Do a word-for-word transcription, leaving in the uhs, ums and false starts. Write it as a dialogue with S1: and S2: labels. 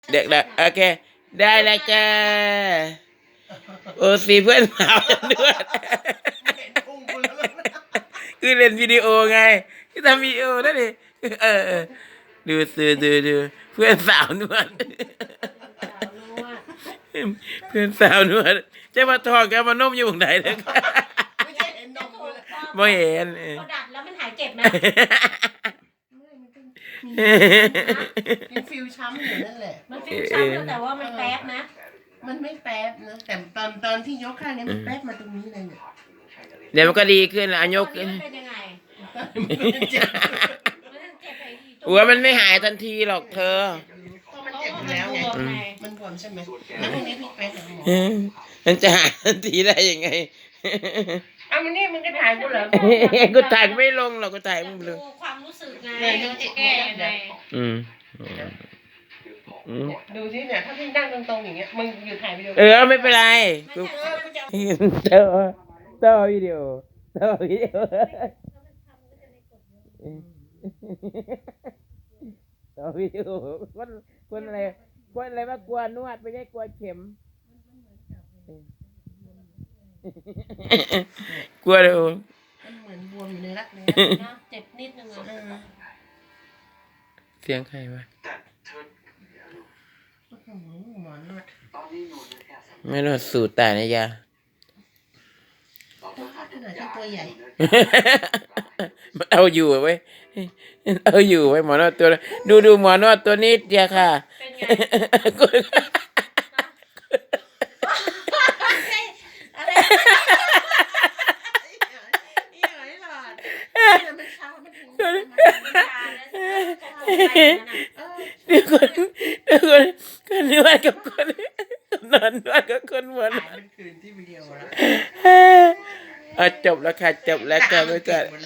S1: เด็กๆโอเคได้แล้วจ้าโอ้สีเพื่อนสาวด้วยคือเล่นวิดีโอไงที่ทำวิดีโอนั่นเองเออเออดูดูดูดูเพื่อนสาวนวดเพื่อนสาวนวดจะมาทองกันมานมอยู่ตรงไหนเลย
S2: ไม่ใช่เห็นนมเลย
S1: ไม่เห็น
S3: พอดัดแล้วมันหายเจ็บไหม
S2: มีฟิวช้ำอยู่นั่นแหละ
S3: มันฟิวช้ำแล้วแต่ว่ามันแป๊บนะ
S2: มันไม่แป๊บนะแต่ตอนตอนที่ยกข้างนี้มันแป๊บมาตรงนี้เลยเนี่ย
S1: เดี๋ยวมันก็ดีขึ้นแล้วยกขึ้น
S3: เป็นยังไง
S2: มันเจ็บ
S1: หัวมันไม่หายทันทีหรอกเธอ
S2: มันเจ็บแล้วไงมันบวมใช่ไหมแล้วพรุ่งนี้พี่ไปหาหมอ
S1: มันจะหายทันทีได้ยังไง
S2: อ้าวมันนี่มันก็ถ่ายกูเหรอ
S1: กูถ่ายไม่ลงหรอกกูถ่ายมึงเลย
S3: ความรู้สึกไง
S2: แก้ไง
S1: อืม
S2: ดูสิเนี่ยถ้าพี่นั่งตรงๆอย่างเงี้ยมึงอยู่ถ่ายวิดีโอ
S1: เออไม่เป็นไรกูเต้าเต้าวิดีโอเต้าวิดีโอเต้าวิดีโอคนคนอะไรคนอะไรมากลัวนวดไม่ใช่กลัวเข็มกลัวเลย
S2: มันเหมือนบวมอยู่ในรักเลย
S3: นะเจ็บนิดนึงอ่ะ
S1: เสียงใครวะ
S2: หมอนวด
S1: ไม่นวดสูตรแต่นะยา
S2: ขนาดที่ตัวใหญ่
S1: มันเอาอยู่ไว้เอาอยู่ไว้หมอนวดตัวดูดูหมอนวดตัวนี้เดียวค่ะเดี๋ยวคนเดี๋ยวคนคนนวดกับคนนอนนวดกับคนหมอนวด
S2: คืนที่วิดีโอแล้ว
S1: จบแล้วค่ะจบแล้วกันไว้ก่อน